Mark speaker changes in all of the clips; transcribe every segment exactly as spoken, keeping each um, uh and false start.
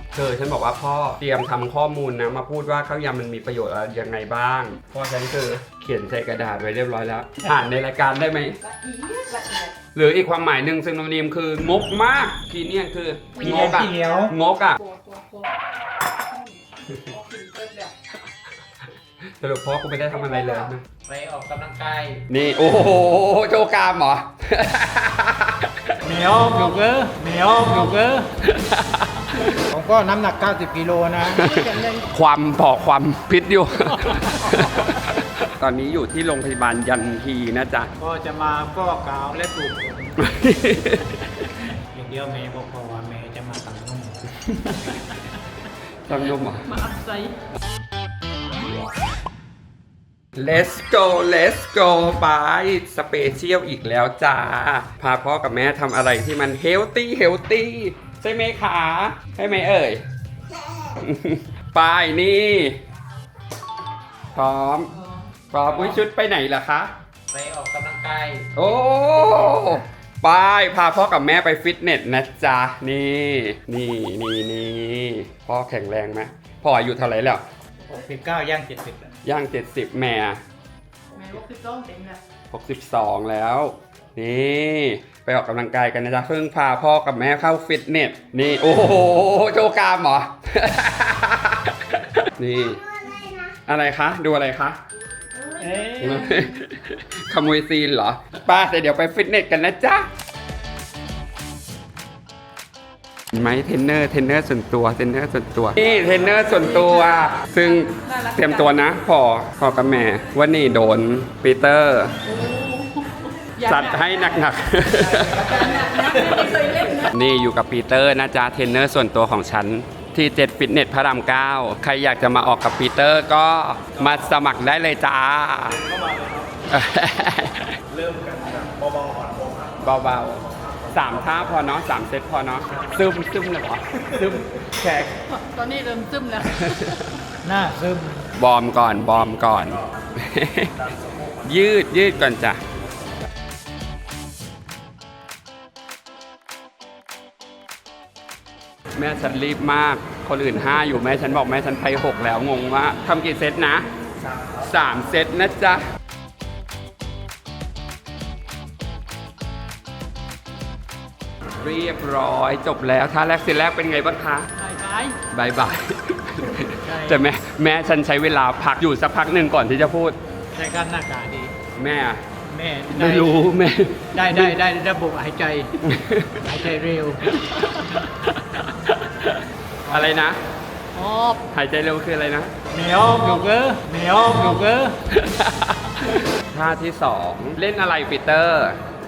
Speaker 1: เธอฉันบอกว่าพ่อเตรียมทำข้อมูลนะมาพูดว่าข้าวยำมันมีประโยชน์อะไรยังไงบ้างพ่อฉันคือเขียนใส่กระดาษไว้เรียบร้อยแล้วอ่านในรายการได้ไหมหรืออีกความหมายหนึ่งซึ่งนนิมคืองกมากทีเนี่ยคืองกอะงกอะสรุปพ่อกูไม่ได้ทำอะไรเลยนะ
Speaker 2: ไปออกกำลังกาย
Speaker 1: นี่โอ้โหโจกามเหรอ
Speaker 2: เหนียวหนูเกอร์เหนียวหนูเกอร์
Speaker 3: ผมก็น้ำหนักเก้าสิบกิโลนะ
Speaker 1: ความพอความพิษอยู่ ตอนนี้อยู่ที่โรงพยาบาลยันฮีนะจ๊ะ
Speaker 3: ก็จะมาก็กาวและปลูกอย่างเดียวเมย์บอกว่าเมย์จะมาตั้งนุ่ม
Speaker 1: ตั้งนุ่มเหรอ
Speaker 2: มาอัดไซ
Speaker 1: Let's go Let's go ไปสเปเชียลอีกแล้วจ้าพาพ่อกับแม่ทำอะไรที่มันเฮลตี้เฮลตี้ใช่ไหมคะใช่ไหมเอ่ย ไปนี่พร้อมพร้อมอุ้ยชุดไปไหนล่ะคะ
Speaker 2: ไปออกกำลังกาย
Speaker 1: โอ้ไปพาพ่อกับแม่ไปฟิตเนสนะจ๊ะนี่นี่นี่นี่พ่อแข็งแรงไหมพ่ออายุเท่าไหร่แล้ว
Speaker 3: หกสิบเก้าย่างเจ็ดสิบ
Speaker 1: ย่างเจ็ดสิบแม่
Speaker 2: แม่หกสิบสองเต็มแล้ว
Speaker 1: หกสิบสองแล้วนี่ไปออกกำลังกายกันนะจ๊ะเพิ่งพาพ่อกับแม่เข้าฟิตเนสนี่โอ้โหโจกามเหรอ นี่อะไรคะดูอะไรคะขโมยซีนเหรอป้าแต่เดี๋ยวไปฟิตเนสกันนะจ๊ะไหมเทรนเนอร์เทรนเนอร์ส่วนตัวเทรนเนอร์ส่วนตัวนี่เทรนเนอร์ส่วนตัวซึ่งเตรียมตัวนะพอพอกับแม่ว่านี่โดนปีเตอร์จัดให้หนักๆนี่อยู่กับปีเตอร์นะจ๊ะเทรนเนอร์ส่วนตัวของฉันที่เจ็ดฟิตเนสพระรามเก้าใครอยากจะมาออกกับปีเตอร์ก็มาสมัครได้เลยจ้าเริ่มกันเบาๆก่อนเบาๆสามท่าพอเนาะสามเซตพอเนาะซึมซึมเลยเหรอซึมแขก
Speaker 2: ตอนนี้เริ่มซึมแล้ว
Speaker 3: หน้าซึม
Speaker 1: บอร์มก่อนบอร์มก่อน ยืดยืดก่อนจ้ะแม่ฉันรีบมากคนอื่นห้าอยู่แม่ฉันบอกแม่ฉันไปหกแล้วงงว่าทำกี่เซตนะสามเซตนะจ๊ะเรียบร้อยจบแล้วท่าแรกเซตแรกเป็นไงบ้างคะบายบายแต่แม่แม่ฉันใช้เวลาพักอยู่สักพักหนึ่งก่อนที่จะพูด
Speaker 3: ใช้การหน้ากาดี
Speaker 1: แม่
Speaker 3: แม่
Speaker 1: ไม่รู้แม่
Speaker 3: ได้ได้ได้ระบบหายใจหายใจเร็ว
Speaker 1: อะไรนะหายใจเร็วคืออะไรนะ
Speaker 3: เหนียวหนูเกอร์เหนียวหนูเกอร์
Speaker 1: ท่าที่สองเล่นอะไรปีเตอร์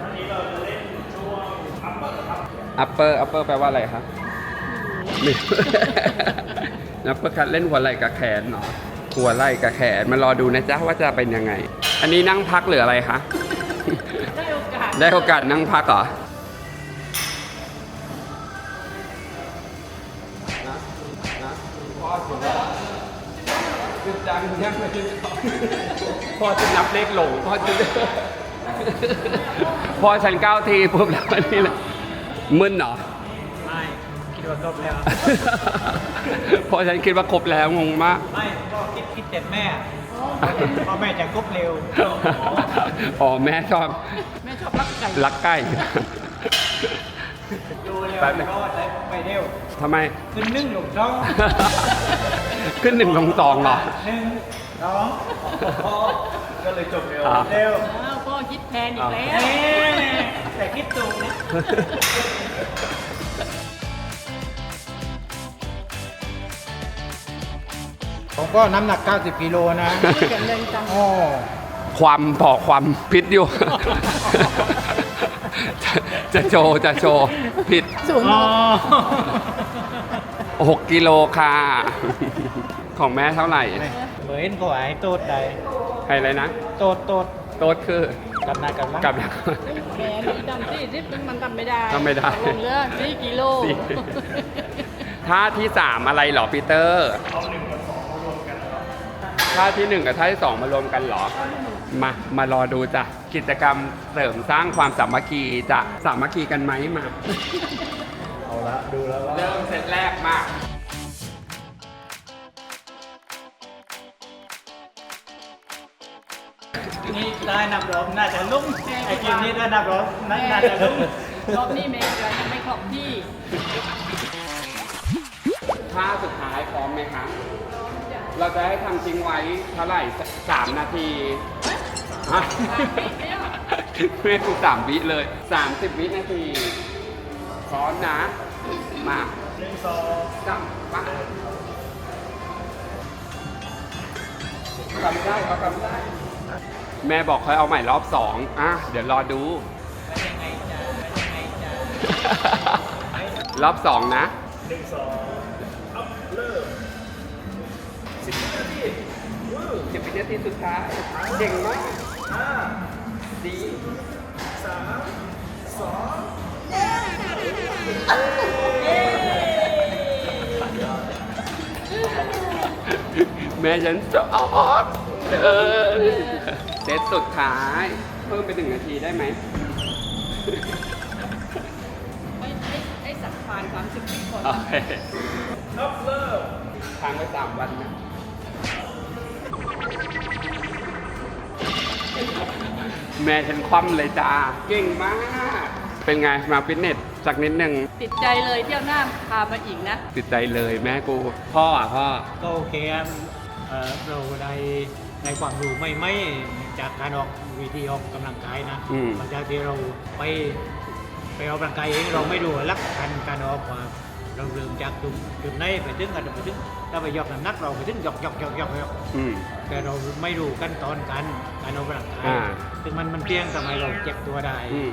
Speaker 1: อัปเปอร์อัปเปอร์แปลว่าอะไรครับอัปเปอร์คัทเล่นหัวไหล่กับแขนเนาะหัวไหล่กับแขนมารอดูนะจ๊ะว่าจะเป็นยังไงอันนี้นั่งพักหรืออะไรคะ
Speaker 2: ได้โอกาส
Speaker 1: ได้โอกาสนั่งพักเหรอจังยังไม่พ่อจะนับเลขหลงพ่อจะพ่อฉันเก้าทีปุ๊บแล้วนี่แหละมึนเหรอ
Speaker 3: ไม่คิดว่าครบแล้ว
Speaker 1: พ่อฉันคิดว่าครบแล้วงงมาก
Speaker 3: ไม่พ่อคิดคิดแต่แม่พ่อแม่จะครบเร็ว
Speaker 1: อ๋อแม่ชอบ
Speaker 2: แม่ชอบรักไก่
Speaker 1: รักไก่
Speaker 3: ดูเร็วก็ได้ไปเร็ว
Speaker 1: ทำไม
Speaker 3: ขึ้นหนึ่งลงสอง
Speaker 1: ขึ้นหนึ่งลงสองเหรอ
Speaker 3: หนึ่งสองพ่อก็เลยจบเร็วเร็ว
Speaker 2: พ่อคิดแทนอีกแล้ว
Speaker 3: แต่คิดถูกนะผมก็น้ำหนักเก้าสิบกิโลนะ
Speaker 2: แข็งแรงจัง
Speaker 3: อ๋อ
Speaker 1: ความพอความพิษอยู่จะโชว์จะโชว์ผิด
Speaker 2: สูง
Speaker 1: หกกิโลค่ะของแม่เท่าไหร่
Speaker 3: เหมือนก็ไอ้โต๊ดใด
Speaker 1: ใครอะไรนะ
Speaker 3: โต๊ดโต๊ด
Speaker 1: โต๊ดคือ
Speaker 3: กับนายกับ
Speaker 1: กับนาย
Speaker 2: แม่ดำสี่สิบมันทำไม่ได้
Speaker 1: ทำไม่ได้
Speaker 2: ลงเรือสี่กิโล
Speaker 1: ท่าที่สามอะไรหรอปีเตอร์ท่าที่หนึ่งกับท่าที่สองมารวมกันหรอมามารอดูจ้ะกิจกรรมเสริมสร้างความสามัคคีจะสามัคคีกันไหมมา
Speaker 3: เอาละดูแล้ว
Speaker 1: เริ่มเซตแรกมา
Speaker 2: นี้ได้นับรอบน่าจะลุ่มไอ้เกมนี้ได้นับรอบน่าน่าจะลุ่ม
Speaker 4: รอบนี้เมย์ยังไม่ครบที่
Speaker 1: ท่าสุดท้ายพร้อมไหมคะเราจะให้ทำทิ้งไว้เท่าไหร่สามนาทีฮะไม่ถูกสามวิเลยสามสิบวินาทีพร้อมนะ มา
Speaker 3: หนึ่งสอง
Speaker 1: จับมาทำได้เขาทำได้ แม่บอกค่อยเอาใหม่รอบสองอ่ะ เดี๋ยวรอดู รอบสองนะ
Speaker 3: หนึ่งสองอัพเริ่มสิบวินาทีวื้อ
Speaker 1: สิบวินาทีสุดท้าย เก่งมาก
Speaker 3: ห้า
Speaker 1: ดี
Speaker 3: สามสอง
Speaker 1: แม่ฉันสอบเออเซตสุดท้าย เพิ่มไปหนึ่งนาทีได้ไหม
Speaker 4: ไม่ไม่ไอ้สักพานสามสิบคน
Speaker 1: โอเค
Speaker 3: อัพเริ่ม
Speaker 1: ค้างไว้สามวันนะ แม่ฉันคว่ำเลยจ้า เก่งมาก เป็นไง มาฟิตเนสสักนิดหนึ่ง
Speaker 4: ติดใจเลยเที่ยวหน้าพามาอีกนะ
Speaker 1: ติดใจเลยแม่กู พ่ออ่ะพ่อ
Speaker 2: ก็โอเคครับเอ่อเราได้ในความรู้ไม่ไม่จากการออกวิธีออกกำลังกายนะ
Speaker 1: อืม
Speaker 2: หลังจากที่เราไปไปออกกำลังกายเองเราไม่รู้หลักการการออกว่าเราเริ่มจากจุดจุดไหนไปถึงกันไปถึงถ้าไปยกน้ำหนักเราไปถึงยกยกยกยกยก
Speaker 1: อืม
Speaker 2: แต่เราไม่รู้ขั้นตอนการการออกกำลังกาย
Speaker 1: อ่า
Speaker 2: ซึ่งมันมันเพียงทำให้เราเจ็บตัวได้
Speaker 1: อืม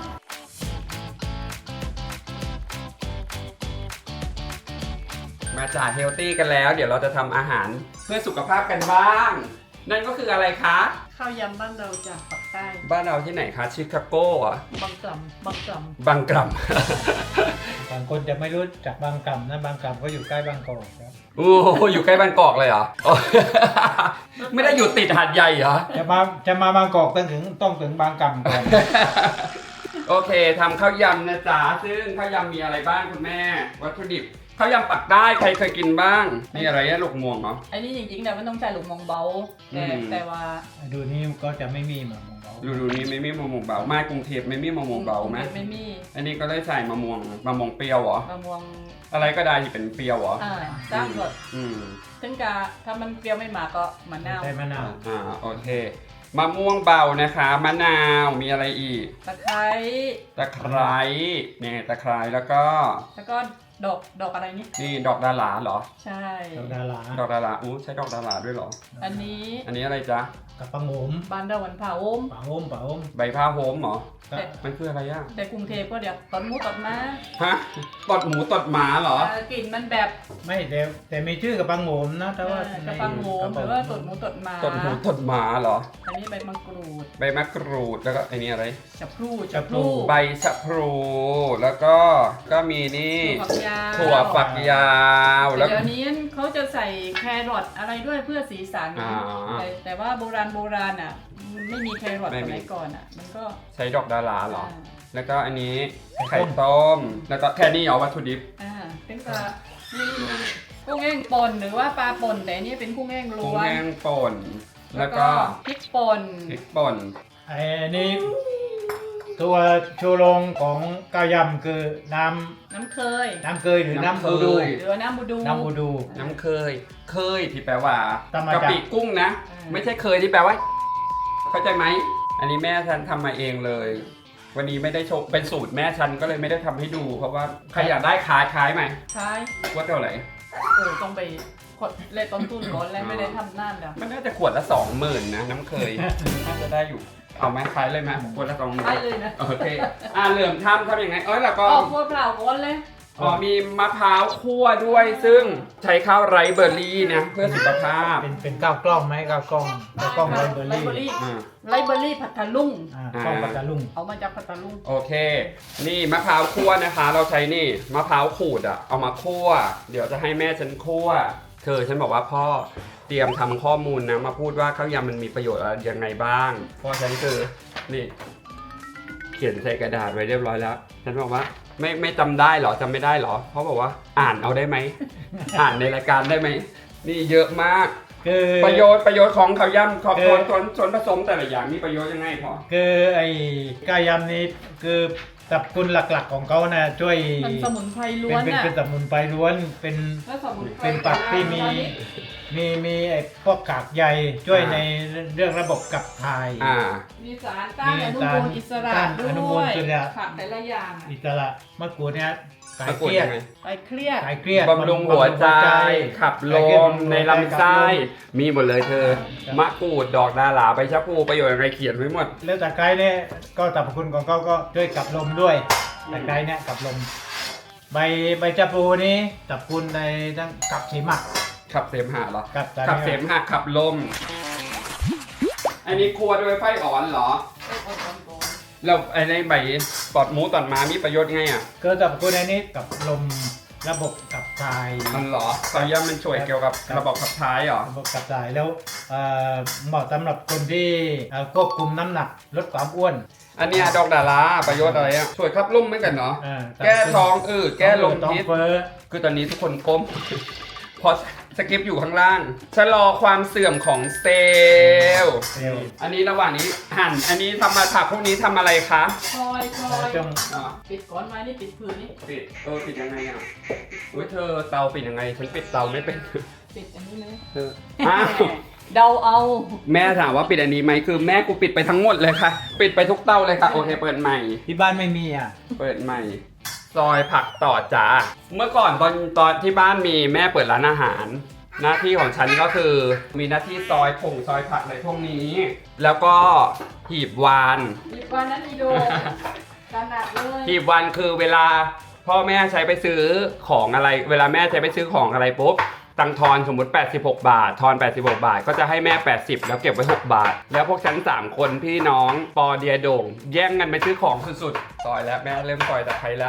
Speaker 1: มาจ่าเฮลตี้กันแล้ว เดี๋ยวเราจะทำอาหารเพื่อสุขภาพกันบ้าง นั่นก็คืออะไรคะ
Speaker 4: ข้าวยำบ้านเราจากปักใต้
Speaker 1: บ้านเราที่ไหนคะชิคาโกเหรอ่ะ
Speaker 4: บางกล่ำบางกล่
Speaker 1: บางกรัม
Speaker 2: บางคนจะไม่รู้จักบางกำนะบางกำก็อยู่ใกล้บางกอกครับ
Speaker 1: โอ้โหอยู่ใกล้บางกอกเลยเหรอ โอ้ ไม่ได้อยู่ติดหาดใหญ่เหรอ
Speaker 2: จะมาจะมาบางกอกต้องถึงต้องถึงบางกำก่อน
Speaker 1: โอเคทำข้าวยำนะจ๊ะ ซึ่งข้าวยำมีอะไรบ้างคุณแม่ วัตถุดิบข้าวยำปักได้ใครเคยกินบ้างนี่อะไรอะลูกม่วงเหรอ
Speaker 4: ำไอ้นี่จริงๆแต่มันต้องใช้หลุมมองเบา แต่
Speaker 1: อืม
Speaker 4: แต่ว่า
Speaker 2: ดูนี่ก็จะไม่มีเหมือนของเรา
Speaker 1: ดูดูนี่ไม่มีมะม่วงเบา มากรุงเทพไม่มีมะม่วงเบาไหม
Speaker 4: ไม่มี
Speaker 1: อันนี้ก็ได้ใส่มะม่วงมะม่วงเปรี้ยวเหรอ
Speaker 4: มะม่วง
Speaker 1: อะไรก็ได้ที่เป็นเปรี้ยวเหรอ
Speaker 4: อ่าสร้างรส
Speaker 1: อืม
Speaker 4: ถึงกะถ้ามันเปรี้ยวไม่มาก็มะนาว
Speaker 2: ใช่มะนาว
Speaker 1: อ่าโอเคมะม่วงเบานะคะมะนาวมีอะไรอีก
Speaker 4: ตะไคร้
Speaker 1: ตะไคร้เนี่ยตะไคร้แล้วก็
Speaker 4: แล้วก็ดอกดอกอะไรนี่
Speaker 1: นี่ดอกดาหลาเหรอ
Speaker 4: ใช่
Speaker 2: เราดารา
Speaker 1: ดอกดาหลาอู้ใช้ดอกดาหลาด้วยเหรอ
Speaker 4: อันนี้
Speaker 1: อันนี้อะไรจ๊ะ
Speaker 2: กับปังโหม
Speaker 4: บ้านเราวันเผาอม
Speaker 2: ปังโหมปังโหม
Speaker 1: ใบผ้าโฮมเหรอ
Speaker 2: ก็
Speaker 1: มันคืออะไรอ่ะ
Speaker 4: แต่กรุงเทพก็เดี๋ยวตอนหมูตอนม้า
Speaker 1: ฮะตดหมูตดหมาเหรอ
Speaker 4: เอ่อกลิ่นมันแบบ
Speaker 2: ไม่แต่แต่มีชื่อกับปังโหมนะแต่ว่า
Speaker 4: เอ่อกระปังโหมหรือว่าตดหมูตดหมา
Speaker 1: ตดหมูตดหมาเหรอ
Speaker 4: อันนี้ใบมะกรูด
Speaker 1: ใบมะกรูดแล้วก็ไอ้นี่อะไร
Speaker 4: จับพลูจับพลู
Speaker 1: ใบชะพลูแล้วก็ก็มีนี่
Speaker 4: ถั่วฝักยาว
Speaker 1: ถั่วฝักยาวแล้ว
Speaker 4: เดี๋ยวนี้เขาจะใส่แครอทอะไรด้วยเพื่อสีสัน
Speaker 1: อ่า
Speaker 4: แต่แต่ว่าโบราณโบราณอ่ะมันไม่มีแครอท
Speaker 1: ไม่
Speaker 4: ส
Speaker 1: มี
Speaker 4: มัยก่อนอ่ะ มันก็
Speaker 1: ใช้ดอกดาราเหรอ
Speaker 4: อ่า
Speaker 1: แล้วก็อันนี้ไข่ต้ม แล้วก็แค่นี้เหรอวัตถุดิบ
Speaker 4: อ่าเป็นปลานี่กุ้งแห้งป่นหรือว่าปลาป่นแต่อันนี้เป็นกุ้งแห้ง
Speaker 1: กุ้
Speaker 4: ล้
Speaker 1: ง
Speaker 4: วน
Speaker 1: แห้งป่น แล้วก็
Speaker 4: พริกป่น
Speaker 1: พริกป่น
Speaker 2: ไอ้นี่ตัวชูโรงของก้าวยำคือน้
Speaker 4: น้ำเคย
Speaker 2: ำน้ำเกยหรือ
Speaker 1: น้ำ
Speaker 2: น้ำบูดู
Speaker 1: เคย
Speaker 4: หรือว่าน้ำบูดู
Speaker 2: น้ำบูดู
Speaker 1: น้ำเคย เคยที่แปลว่า
Speaker 2: ทำมาจาก
Speaker 1: กะปิกุ้งนะ
Speaker 4: อ่า
Speaker 1: ไม่ใช่เคยที่แปลว่า เข้าใจไหม อันนี้แม่ฉันทำมาเองเลย วันนี้ไม่ได้โชว์เป็นสูตรแม่ฉันก็เลยไม่ได้ทำให้ดู เพราะว่าใครอยากได้คล้ายคล้ายไหม
Speaker 4: ใช่
Speaker 1: ว่าเท่าไหร่
Speaker 4: เออต้องไปกดเลขต้นทุนก่อนแล้วไม่ได้ทำนั่นเดี๋ยว
Speaker 1: มันน่าจะขวดละสองหมื่นนะ น้ำเคย น่าจะได้อยู่ เอาไหมคล้ายเลยไหมขวดละสองหมื่น
Speaker 4: ใช่เลยนะ
Speaker 1: โอเคอ่าเหลื่อมทำทำยังไง เอ้ยแล้วก็
Speaker 4: ออกบัวเปล่าก่อนเลย
Speaker 1: อ๋อมีมะพร้าวคั่วด้วย ซึ่งใช้ข้าวไรซ์เบอร์รี่นะ เพื่อสุขภาพ
Speaker 2: เป็นเป็นก้าวกล้องไหมก้าวกล้องก้าวกล้องไรเบอร์รี่
Speaker 1: อ่า
Speaker 4: ไลเบอรี่ผัดทะลุง
Speaker 2: อ่ากล้องปัตตาลุง
Speaker 4: เอามาจากผัดทะลุง
Speaker 1: โอเค นี่มะพร้าวคั่วนะคะ เราใช้นี่มะพร้าวขูดอะเอามาคั่ว เดี๋ยวจะให้แม่ฉันคั่ว เธอฉันบอกว่าพ่อเตรียมทำข้อมูลนะ มาพูดว่าข้าวยำมันมีประโยชน์อะไรยังไงบ้าง พ่อฉันคือนี่ เขียนใส่กระดาษไว้เรียบร้อยแล้ว ฉันบอกว่าไม่ไม่จำได้เหรอจำไม่ได้เหรอ เพราะบอกว่าอ่านเอาได้ไหม อ่านในรายการได้ไหม นี่เยอะมาก
Speaker 2: คือ
Speaker 1: ประโยชน์ประโยชน์ของข้าวยำขอบ
Speaker 2: คือ
Speaker 1: ส่วนส่วนส่วนผสมแต่ละอย่างมีประโยชน์ยังไงพอ
Speaker 2: คือไอ้กายำนี้คือสรรพคุณหลักๆของเขานะช่วย
Speaker 4: มันสมุนไพรล้
Speaker 2: เป็
Speaker 4: วน น
Speaker 2: เป็น
Speaker 4: อ่ะ
Speaker 2: เป็นสมุนไพรล้วนเป็น
Speaker 4: แล้วสมุนไพร
Speaker 2: เป็นผักที่มีมีมีไอ้พวกกากใยช่วยในเรื่องระบบขับถ่าย
Speaker 1: อ่า
Speaker 4: มีสารต้านอนุมูลอิสระ
Speaker 2: ต้าน
Speaker 4: ด้
Speaker 2: อนุมู
Speaker 4: ว
Speaker 2: ล
Speaker 4: ย
Speaker 2: อิสระ
Speaker 4: ผักแต่ละอย่างอะ
Speaker 2: อิสระมะกรูดเนี่ยคลาย
Speaker 1: มะก
Speaker 2: เค
Speaker 1: รูด
Speaker 2: รียด
Speaker 1: ยังไง
Speaker 4: ไปเครียด
Speaker 2: คลายเครียด
Speaker 1: บำรุงหัวใจ ขับล
Speaker 2: คายเครียด
Speaker 1: ม
Speaker 2: บำรุงหัวใจ
Speaker 1: ในลำไส้
Speaker 2: ขับลม
Speaker 1: มีหมดเลยเธอ
Speaker 2: ครับ
Speaker 1: มะกรูด ดอกดาหลาใบชะพูประโยชน์อะไรเขียนไว้หมด
Speaker 2: แล้วตะไคร้เนี่ยก็สรรพคุณของเขาก็ช่วยขับลมด้วยตะไคร้เนี่ยขับลม ใบใบชะพลูนี้สรรพคุณในทั้งขับเสมหะ
Speaker 1: ขับเสมหะเหรอ
Speaker 2: ขับ
Speaker 1: ขับเสมหะขับลม อันนี้ครัวโดยไฟอ่อนเหรอ แล้วไอ้ในใบปอดหมูตอดหมามีประโยชน์ไงอ่ะ
Speaker 2: ก็สรรพคุณในนี้กับลมระบบขับถ่าย
Speaker 1: มันเหรอข้าวยำมันช่วยเกี่ยวกับระบบขับถ่ายเหรอ
Speaker 2: ระบบขับถ่ายแล้วเอ่อเหมาะสำหรับคนที่เอ่อควบคุมน้ำหนักลดความอ้วน
Speaker 1: อันเนี้ยดอกดาราประโยชน์อะไรอ่ะ ช่วยขับลมเหมือนกันเนาะ
Speaker 2: อ่า
Speaker 1: แก้ท้องอืดแก้ลม
Speaker 2: ท้อง
Speaker 1: พิษ
Speaker 2: เฟ้อ
Speaker 1: คือตอนนี้ทุกคนก้ม พอสกิปอยู่ข้างล่าง ชะลอความเสื่อมของเซลล์
Speaker 2: เซลล์
Speaker 1: อันนี้ระหว่างนี้หั่น อันนี้ทำมาผักพวกนี้ทำอะไรคะ
Speaker 4: คอยคอย
Speaker 2: จ้อง
Speaker 1: อ๋อ
Speaker 4: ปิดก้อนไม้นี่ปิดพื้นนี่
Speaker 1: ปิด เออปิดยังไงอ่ะอุ้ยเธอเตาปิดยังไง ฉันปิดเตาไม่เป็น
Speaker 4: ปิดอันนี้เลย
Speaker 1: เธออ้าว
Speaker 4: เดาเอา
Speaker 1: แม่ถามว่าปิดอันนี้ไหมคือแม่กูปิดไปทั้งหมดเลยค่ะ ปิดไปทุกเตาเลยค่ะ โอเคเปิดใหม่
Speaker 2: ที่บ้านไม่มีอ่ะ
Speaker 1: เปิดใหม่ ซอยผักต่อจ้า เมื่อก่อนตอนตอนที่บ้านมีแม่เปิดร้านอาหาร หน้าที่ของฉันก็คือมีหน้าที่ซอยผงซอยผักอะไรพวกนี้ แล้วก็หีบวาน
Speaker 4: หยิบวันนั้นอีโดขนาดเลย
Speaker 1: หีบวานคือเวลาพ่อแม่ใช้ไปซื้อของอะไร เวลาแม่ใช้ไปซื้อของอะไรปุ๊บ ตังทอนสมมุติแปดสิบหกบาท ทอนแปดสิบหกบาท ก็จะให้แม่แปดสิบแล้วเก็บไว้หกบาท แล้วพวกฉันสามคนพี่น้องปอเดียโด่ง แย่งกันไปซื้อของสุดๆซอยแล้วแม่เริ่มซอยตะไคร้แล้ว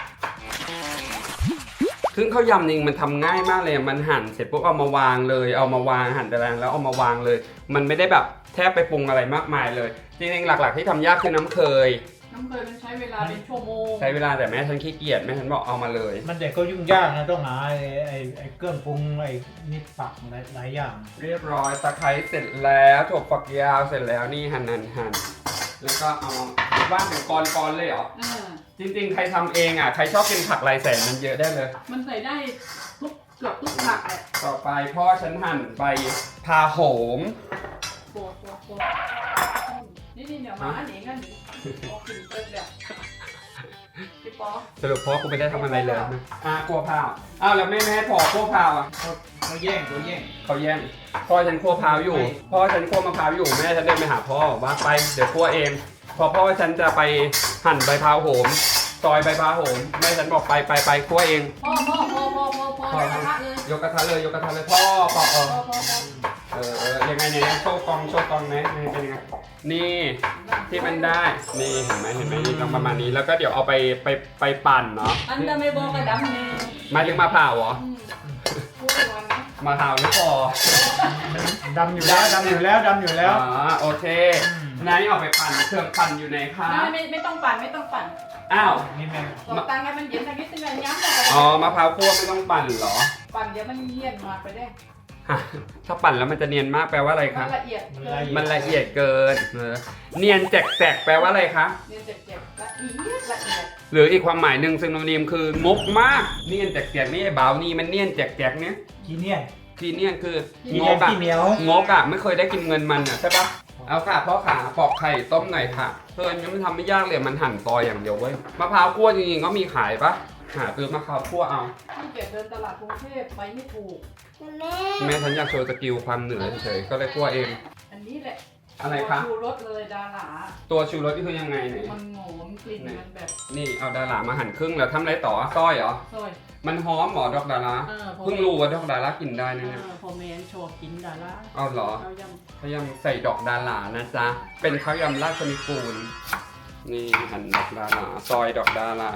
Speaker 1: ซึ่งข้าวยำจริงมันทำง่ายมากเลยมันหั่นเสร็จปุ๊บเอามาวางเลย เอามาวางหั่นตารางแล้วเอามาวางเลย มันไม่ได้แบบแทบไปปรุงอะไรมากมายเลย จริงๆหลักๆที่ทำยากคือน้ำเคย
Speaker 4: น้ำเคยมันใช้เวลาเป็นชั่วโมง
Speaker 1: ใช้เวลาแต่แม่ฉันขี้เกียจแม่ฉันบอกเอามาเลย
Speaker 2: มันแต่ก็ยุ่งยากนะต้องหาไอ้ไอ้ไอ้เครื่องปรุงไอ้นี่ปักหลายหลายอย่าง
Speaker 1: เรียบร้อยตะไคร้เสร็จแล้วถั่วฝักยาวเสร็จแล้วนี่หั่นหั่นหั่นแล้วก็เอาว่างเป็นกรๆเลยเหรอ
Speaker 4: อ่า
Speaker 1: จริงๆใครทำเองอ่ะใครชอบกินผักลายแสนมันเยอะได้เลย
Speaker 4: มันใส่ได้ทุกเกือบทุกผักแหละ
Speaker 1: ต่อไปพ่อฉันหั่นใบพาโหม
Speaker 4: โปรดโปรดโปรดนี่นี่เดี๋ยวมาอันนี้กันนี่โอเคเปิดแบบพี่ป๊อ
Speaker 1: สรุปพ่อกูไม่ได้ทำอะไรเลยนะอ่ะกลัวพาวอ้าวแล้วแม่ไม่ให้พ่อคั่วพาวอ่ะ
Speaker 2: เขาแย่งเขาแย่ง
Speaker 1: เขาแย่งพ่อฉันคั่วพาวอยู่ พ่อฉันคั่วมะพร้าวอยู่แม่ฉันเดินไปหาพ่อว่าไปเดี๋ยวคั่วเองพอพ่อฉันจะไปหั่นใบพาวโหมซอยใบพาวโหมแม่ฉันบอกไปไปไปคั่วเอง
Speaker 4: พ่อพ่อพ่อพ่อพ่อพ่อกระทะเลย
Speaker 1: ยกกระทะเลยยกกระทะเลยพ่อพ่อเออ
Speaker 4: พ่อพ่อพ่อ
Speaker 1: เออเออยังไงเนี่ยโชว์กองโชว์กองไหมนี่เป็นยังไงนี่ที่มันได้นี่เห็นไหมเห็นไหมนี่ต้องประมาณนี้แล้วก็เดี๋ยวเอาไปไปไปปั่นเนาะ
Speaker 4: อันเดอร์ไม่บอกกระดำเนี่ย
Speaker 1: หมายถึงมะพร้าวเหรอ
Speaker 4: อืมพูดวันนะ
Speaker 1: มะพร้าวไม่พอ
Speaker 2: ดำอยู่แล้วดำอยู่แล้วดำอยู่แล้ว
Speaker 1: อ๋อโอเคไหนเอาไปปั่นเครื่องปั่นอยู่ไหนคะ
Speaker 4: ไม่ไม่ไม่ต้องปั่นไม่ต้องปั่น
Speaker 1: อ้าว
Speaker 2: นี่แม่
Speaker 4: ตอกตังให้มันเย็นสักนิดนึงไงย้ำเลย
Speaker 1: อ๋อมะพร้าวคั่วไม่ต้องปั่นเหรอ
Speaker 4: ปั่นเดี๋ยวมันเลี่ยนมาไปได้
Speaker 1: ฮะถ้าปั่นแล้วมันจะเนียนมากแปลว่าอะไร
Speaker 4: มั
Speaker 1: คะ
Speaker 4: นละเอียดเกิน
Speaker 1: มันละเอียดเกินเออเนียนแจกแจกแปลว่าอะไรคะ
Speaker 4: เรียนเจ็บๆละเอียดละเอียด
Speaker 1: หรืออีกความหมายหนึ่งซึ่งโนนิมคืองกมากเนียนแจกแจกนี่ไอ้บ่าวนี่มันเนียนแจกแจกเนี้ย
Speaker 2: ขี้เนี่ย
Speaker 1: ทีเนียนคือ
Speaker 2: ขี้
Speaker 1: ง
Speaker 2: เนี่ย
Speaker 1: กอะ
Speaker 2: ขี้เหนียว
Speaker 1: งกอะไม่เคยได้กินเงินมันอะใช่ปะเอาค่ะพ่อขาปอกไข่ต้มหน่อยค่ะเพื่อนยังไม่ทำไม่ยากเลยมันหั่นซอยอย่างเดียวเว้ยมะพร้าวคั่วจริงๆก็มีขายปะหาซื้อมะพร้าวคั่วเอา
Speaker 4: ที่เกียจเดินตลาดกรุงเทพไปไม่ถูก
Speaker 1: แม่ฉันอยากโชว์สกิลความเหนือเฉยๆก็เลยคั่วเอง
Speaker 4: อันนี้แหละ
Speaker 1: อะไรคะ
Speaker 4: ชูรสเลยดารา
Speaker 1: ตัวชูรสนี่คือยังไงไหน
Speaker 4: มันหอมกลิ่นมันแบบ
Speaker 1: นี่เอาดารามาหั่นครึ่งแล้วทำอะไรต่อซอยเหรอ
Speaker 4: ซอย
Speaker 1: มันหอมเหรอดอกดารา
Speaker 4: เออพอ
Speaker 1: เพิ่งรู้ว่าดอกดารากินได้
Speaker 4: เอ
Speaker 1: นะเนี่ย
Speaker 4: อพอแมนโชว์กินดารา
Speaker 1: เอาเหรอ
Speaker 4: ข้าวย
Speaker 1: ข้าวยำใส่ดอกดารานะจ๊ะเป็นข้าวยำราชนิกูลนี่หั่นดอกดาราซอยดอกดารา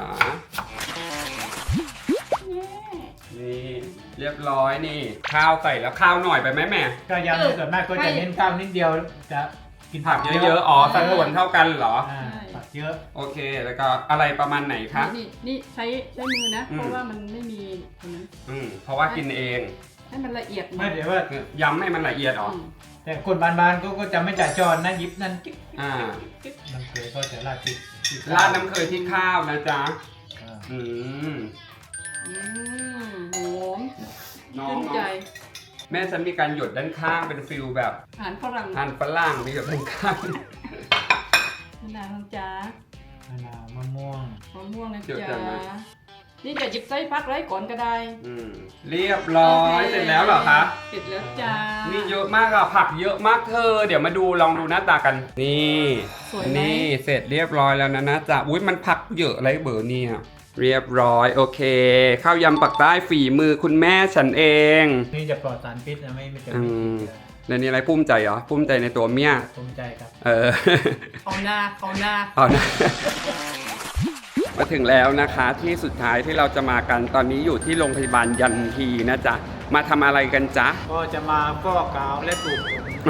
Speaker 4: ำ
Speaker 1: นี่เรียบร้อยนี่ ข้าวใส่แล้วข้าวหน่อยไปไหมแม่
Speaker 2: ก็ยำส่วนมากก็จะเน้นข้าวนิดเดียวจะกิน
Speaker 1: ผักเยอะๆ อ๋อสัดส่วนเท่ากันเหรอ
Speaker 2: อ่าผักเยอะ
Speaker 1: โอเค แล้วก็อะไรประมาณไหนคะ
Speaker 4: นี่นี่ใช้ใช้มือนะ
Speaker 1: อืม
Speaker 4: เพราะว่ามันไม่มีตรงนั้น
Speaker 1: อืมเพราะว่ากินเอง
Speaker 4: ให้มันละเอียดหน่
Speaker 2: ไม่
Speaker 4: อย
Speaker 2: เดี๋ยวว่า
Speaker 1: ย้ำให้มันละเอียดออก
Speaker 4: อืม
Speaker 2: แต่คนบานๆก็ก็จะไม่จ่ายจอนนะหยิบนั่นกิ๊ก
Speaker 1: อ่า
Speaker 2: กิ๊กมันเคยก็จะราดพริกพริก
Speaker 1: ราดน้ำเคยที่ข้าวนะจ๊ะ
Speaker 2: อ่า
Speaker 1: อืม
Speaker 4: อืมหอม
Speaker 1: น้อง
Speaker 4: ชื่นใจ
Speaker 1: แม่ฉันมีการหยดด้านข้างเป็นฟิลแบบ
Speaker 4: อาหารฝรั่ง
Speaker 1: ทานฝรั่งมีหยดด้านข้าง
Speaker 4: มะนาวจ้าม
Speaker 2: ะนาวมะม่วง
Speaker 4: มะม่วงนะ
Speaker 1: เดี๋ยว
Speaker 4: จ๊ะ
Speaker 1: กันนะ
Speaker 4: นี่จะหยิบไส้ฟักไว้ก่อนก็ได้
Speaker 1: อืมเรียบร้อยเสร็จแล้วเหรอคะ
Speaker 4: เสร็จแล้วจ้า
Speaker 1: นี่เยอะมากอะผักเยอะมากเธอ เดี๋ยวมาดูลองดูหน้าตากัน นี่
Speaker 4: สวยไหม
Speaker 1: นี่เสร็จเรียบร้อยแล้วนะนะจ๊ะอุ้ยมันผักเยอะอะไรเบอร์เนี่ยเรียบร้อยโอเค ข้าวยำปักใต้ฝีมือคุณแม่ฉันเอง
Speaker 2: นี่จะปลอดสารพิษนะไม่ไม่จะ
Speaker 1: อื
Speaker 2: มี
Speaker 1: ม แล้วนี่อะไรภูมิใจเหรอภูมิใจในตัวเมีย
Speaker 2: ภูมิใจครับ
Speaker 1: เออ
Speaker 4: เอาหน้าเอาหน้า
Speaker 1: เอานะ มาถึงแล้วนะคะที่สุดท้ายที่เราจะมากันตอนนี้อยู่ที่โรงพยาบาลยันทีนะจ๊ะมาทำอะไรกันจ๊ะ
Speaker 2: ก็จะมาฟอกกาวและปลูกผม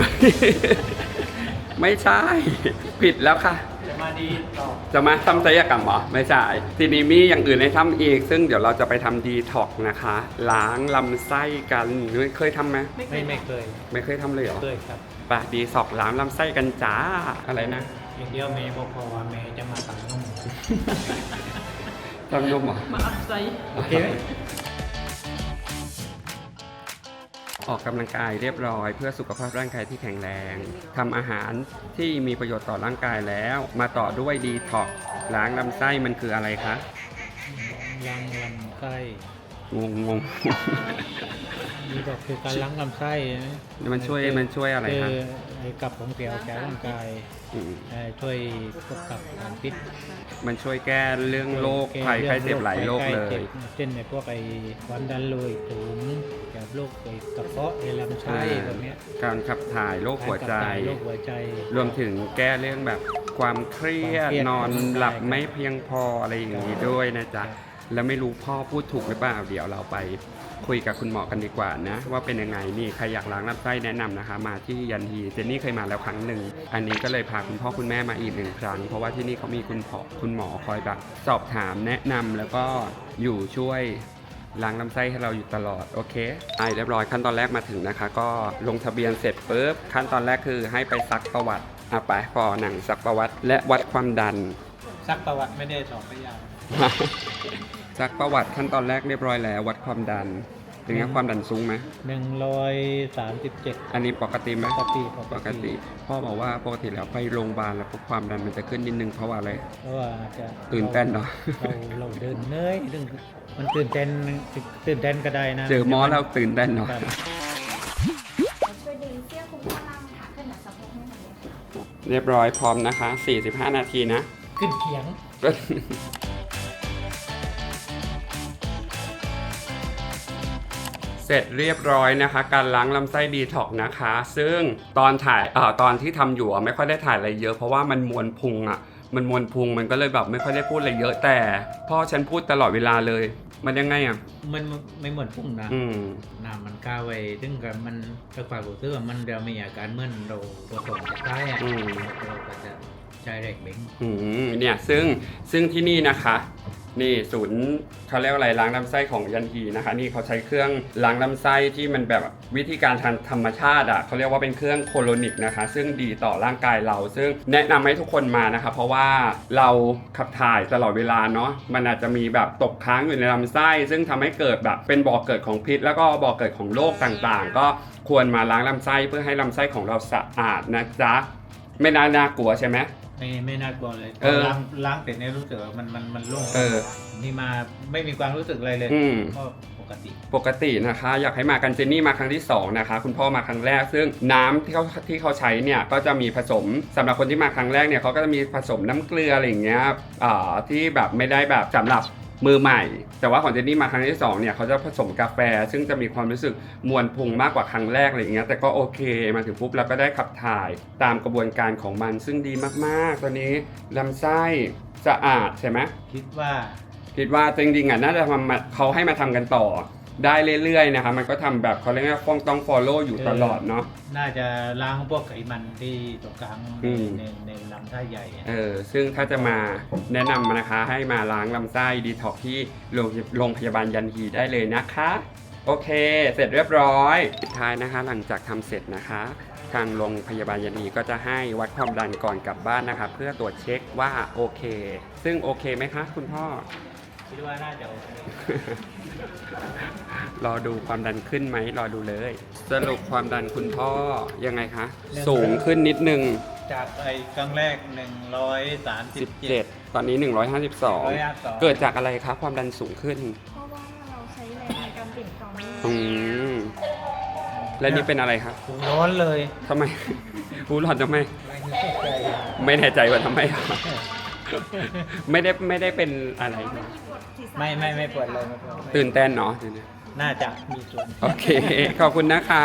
Speaker 1: ไม่ใช่ ผิดแล้วค่ะ
Speaker 2: จะมาดีต่อ
Speaker 1: จะมาทำศัลยกรรมเหรอไม่ใช่ทีนี้มีอย่างอื่นให้ทำอีก ซึ่งเดี๋ยวเราจะไปทำดีท็อกนะคะ ล้างลำไส้กันเคยทำไหม
Speaker 2: ไม่ไม่เคย
Speaker 1: ไม่เคยทำเลยเหรอ
Speaker 2: เคยครับ
Speaker 1: ปะดีสอกล้างลำไส้กันจ้าอะไรนะ
Speaker 2: อย่างเดียวเมย์บอกพอว่าเมย์จะมาตัดนุ่ม
Speaker 1: ทำนุ่มเหรอ
Speaker 4: มาอัพไซด์
Speaker 2: โอเคไหม
Speaker 1: ออกกำลังกายเรียบร้อยเพื่อสุขภาพร่างกายที่แข็งแรงทำอาหารที่มีประโยชน์ต่อร่างกายแล้ว มาต่อด้วยดีท็อกล้างลำไส้มันคืออะไรคะ
Speaker 2: ล้างลำไส้
Speaker 1: งงงง
Speaker 2: นี่ก็คือการล้างลำไส้นะ
Speaker 1: มันช่วยมันช่วยอะไร
Speaker 2: คื
Speaker 1: คะ
Speaker 2: อไอ้กับของเสียออกจากร่างกาย
Speaker 1: ม
Speaker 2: เอ่อช่วยพวกกับสารพิษ
Speaker 1: มันช่วยแก้เรื่องโรคภัยไข้เจ็บหลายโรคเลย
Speaker 2: เช่นในพวกไอ้ความดันโลหิตสูงกับโรคไอ้กระเพาะไอ้ลำไส้แบบเนี้ย
Speaker 1: การขับถ่ายโรคหัวใจ
Speaker 2: การขับถ่ายโรคหัวใจ
Speaker 1: รวมถึงแก้เรื่องแบบความเครียด
Speaker 2: ความเครียด
Speaker 1: นอนหลับไม่เพียงพออะไรอย่างนี้ด้วยนะจ๊ะ แล้วไม่รู้พ่อพูดถูกหรือเปล่า เดี๋ยวเราไปคุยกับคุณหมอกันดีกว่านะ ว่าเป็นยังไงนี่ใครอยากล้างลำไส้แนะนำนะคะ มาที่ยันฮีเจนนี่เคยมาแล้วครั้งหนึ่งอันนี้ก็เลยพาคุณพ่อคุณแม่มาอีกหนึ่งครั้ง เพราะว่าที่นี่เขามีคุณพ่อคุณหมอคอยแบบสอบถามแนะนำแล้วก็อยู่ช่วยล้างลำไส้ให้เราอยู่ตลอดโอเคไอเรียบร้อยขั้นตอนแรกมาถึงนะคะ ก็ลงทะเบียนเสร็จปุ๊บขั้นตอนแรกคือให้ไปซักประวัติอ่ะไปพอหนังซักประวัติและวัดความดัน
Speaker 2: ซักประวัติไม่ได้สอบไปยาว
Speaker 1: ซักประวัติขั้นตอนแรกเรียบร้อยแล้ววัดความดันเป็นไงความดันสูงไหม
Speaker 2: หนึ่งร้อยสามสิบเจ็ด
Speaker 1: อันนี้ปกติไหม
Speaker 2: ปกติ
Speaker 1: ปกติ พ่อบอกว่าปกติแล้วไปโรงพยาบาลแล้วพวกความดันมันจะขึ้นนิดนึงเพราะว่าอะไร
Speaker 2: เพราะว่าจะ
Speaker 1: ตื่นเต้นเนอะ
Speaker 2: เราเราเดินเนยเรื่องมันตื่นเต้นตื่นเต้นก็ได้นะ
Speaker 1: เจอหมอแล้วตื่นเต้นเนาะ
Speaker 2: ครับ
Speaker 5: ช่วยดึงเสื้อคลุมข้างล่างค่ะขึ้นหนักสะโพกให้หน่อยค่ะ
Speaker 1: เรียบร้อยพร้อมนะคะสี่สิบห้านาทีนะ
Speaker 2: ขึ้นเขียง
Speaker 1: เสร็จเรียบร้อยนะคะ การล้างลำไส้ดีท็อกนะคะ ซึ่งตอนถ่ายเอ่อตอนที่ทำอยู่อะไม่ค่อยได้ถ่ายอะไรเยอะเพราะว่ามันมวนพุงอ่ะมันมวนพุงมันก็เลยแบบไม่ค่อยได้พูดอะไรเยอะแต่พ่อฉันพูดตลอดเวลาเลย มันยังไงอ่ะ
Speaker 2: มันไม่เหมือนพุ่งนะ
Speaker 1: อืม
Speaker 2: น้ำมันก้าวไปถึงกับมันถ้าความรู้สึกว่ามันเดี๋ยวมีอาการเหมื่อนเราตัวตนจะใต้อะ
Speaker 1: อืม
Speaker 2: เราก็จะใช้แรงเบ่ง
Speaker 1: อืมเนี่ยซึ่งซึ่งที่นี่นะคะ นี่ศูนย์เขาเรียกว่าอะไรล้างลำไส้ของยันฮีนะคะ นี่เขาใช้เครื่องล้างลำไส้ที่มันแบบวิธีการทางธรรมชาติอ่ะเขาเรียกว่าเป็นเครื่องโคโลนิกนะคะ ซึ่งดีต่อร่างกายเรา ซึ่งแนะนำให้ทุกคนมานะคะ เพราะว่าเราขับถ่ายตลอดเวลาเนาะมันอาจจะมีแบบตกค้างอยู่ในลำไส้ ซึ่งทำให้เกิดแบบเป็นบ่อเกิดของพิษ แล้วก็บ่อเกิดของโรคต่างๆ ก็ควรมาล้างลำไส้เพื่อให้ลำไส้ของเราสะอาดนะจ๊ะไม่น่าน่ากลัวใช่ไหม
Speaker 2: ไม่ไม่น่ากลัวเลย
Speaker 1: เออ
Speaker 2: ล้างล้างเสร็จเนี่ยรู้สึกว่ามันมันมันโล่ง
Speaker 1: เออ
Speaker 2: นี่มาไม่มีความรู้สึกอะไรเลย
Speaker 1: อืม
Speaker 2: ก็ปกติ
Speaker 1: ปกตินะคะอยากให้มากันเจนนี่มาครั้งที่สองนะคะคุณพ่อมาครั้งแรก ซึ่งน้ำที่เขาที่เขาใช้เนี่ยก็จะมีผสมสำหรับคนที่มาครั้งแรกเนี่ยเขาก็จะมีผสมน้ำเกลืออะไรอย่างเงี้ยอ่าที่แบบไม่ได้แบบสำหรับมือใหม่ แต่ว่าของเจนนี่มาครั้งที่สองเนี่ยเขาจะผสมกาแฟ ซึ่งจะมีความรู้สึกมวลพุงมากกว่าครั้งแรกอะไรอย่างเงี้ยแต่ก็โอเคมาถึงปุ๊บแล้วก็ได้ขับถ่ายตามกระบวนการของมันซึ่งดีมากๆตอนนี้ลำไส้สะอาดใช่ไหม
Speaker 2: คิดว่า
Speaker 1: คิดว่าจริงๆอ่ะน่าจะทำมาเขาให้มาทำกันต่อได้เรื่อยๆนะคะมันก็ทำแบบเขาเรียกว่าต้องต้อง follow อยู่ตลอดเนาะ
Speaker 2: น่าจะล้างพวกไขมันที่ตรงกลาง
Speaker 1: อืม
Speaker 2: ในในลำไส้ใหญ่อะ
Speaker 1: เออซึ่งถ้าจะมาแนะนำนะคะให้มาล้างลำไส้ดีท็อกที่โรงโรงพยาบาลยันฮีได้เลยนะคะโอเค เสร็จเรียบร้อยสุดท้ายนะคะหลังจากทำเสร็จนะคะ ทางโรงพยาบาลยันฮีก็จะให้วัดความดันก่อนกลับบ้านนะคะ เพื่อตรวจเช็คว่าโอเค ซึ่งโอเคไหมคะคุณพ่อ
Speaker 2: คิดว่าน่าจะโอเค
Speaker 1: รอดูความดันขึ้นไหมรอดูเลย สรุปความดันคุณพ่อยังไงคะ สูงขึ้นนิดนึง
Speaker 2: จากไอ้ครั้งแรกหนึ่งร้อยสามสิบเจ็ด
Speaker 1: 17 ตอนนี้ หนึ่งร้อยห้าสิบสอง เกิดจากอะไรคะความดันสูงขึ้น
Speaker 5: เพราะว่าเราใช้แรงในการเปลี่ยนต่อเนื่อง
Speaker 1: อืมและนี่เป็นอะไรคะ
Speaker 2: หูร้อนเลย
Speaker 1: ทำไม หูหลอนทำไม ไม่แน่ใจว่าทำไมอ่ะ ไม่ได้ไม่ได้เป็นอะไรนะ
Speaker 2: ไม่ไม่ไม่ปวดเลยไม่ปวด
Speaker 1: ตื่นเต้นเนาะ
Speaker 2: น่าจะมีส่วน
Speaker 1: โอเค ขอบคุณนะคะ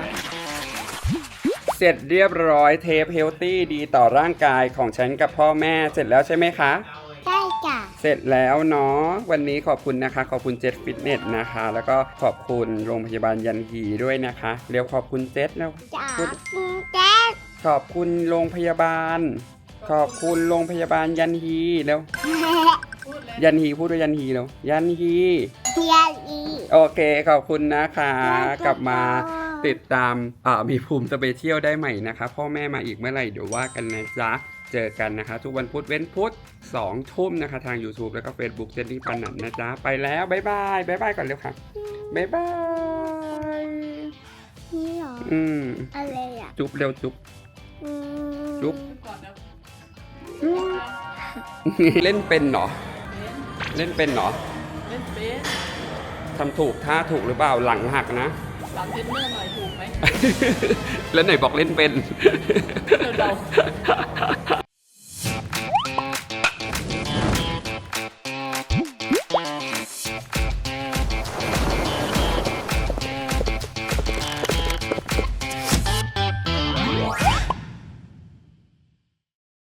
Speaker 1: เสร็จเรียบร้อยเทปเฮลตี้ดีต่อร่างกายของฉันกับพ่อแม่เสร็จแล้วใช่ไหมคะ
Speaker 5: ใช่จ้ะ
Speaker 1: เสร็จแล้วเนาะวันนี้ขอบคุณนะคะ ขอบคุณเจ็ตฟิตเนสนะคะ แล้วก็ขอบคุณโรงพยาบาลยันฮีด้วยนะคะเร็วขอบคุณเจ็ตแล้ว
Speaker 5: จ๋า
Speaker 1: พูด
Speaker 5: คุณแจ๊ค
Speaker 1: ขอบคุณโรงพยาบาล ขอบคุณโรงพยาบาลยันฮีแล้ว
Speaker 4: พูดเลย
Speaker 1: ยันฮีพูดด้วยยันฮีแล้วยันฮี
Speaker 5: เฮียอี
Speaker 1: โอเคขอบคุณนะคะ กลับมาติดตามอ่ามีภูมิสเปเชียลได้ใหม่นะคะพ่อแม่มาอีกเมื่อไหร่เดี๋ยวว่ากันนะจ๊ะเจอกันนะคะ ทุกวันพุธเว้นพุธสองทุ่มนะคะทาง YouTube แล้วก็ Facebook เจนนี่ปานันนะจ๊ะไปแล้วบ๊ายบายบ๊ายบายก่อนเร็วค่ะบ๊ายบาย
Speaker 5: นี่เหรอ
Speaker 1: อืม
Speaker 5: อะไรอ่ะ
Speaker 1: จุ๊บเร็วจุ๊บ
Speaker 5: อืม
Speaker 1: จุ๊บ
Speaker 4: ก่อนนะ
Speaker 1: เล่นเป็นเหรอ เล่นเป็นเหรอ
Speaker 4: เล่นเป็น
Speaker 1: ทำถูกท่าถูกหรือเปล่าหลังหักนะ
Speaker 4: หลับเทรนเนอร์หน่อยถูกไหม
Speaker 1: แล้วไหนบอกเล่นเป็น
Speaker 4: เออเรา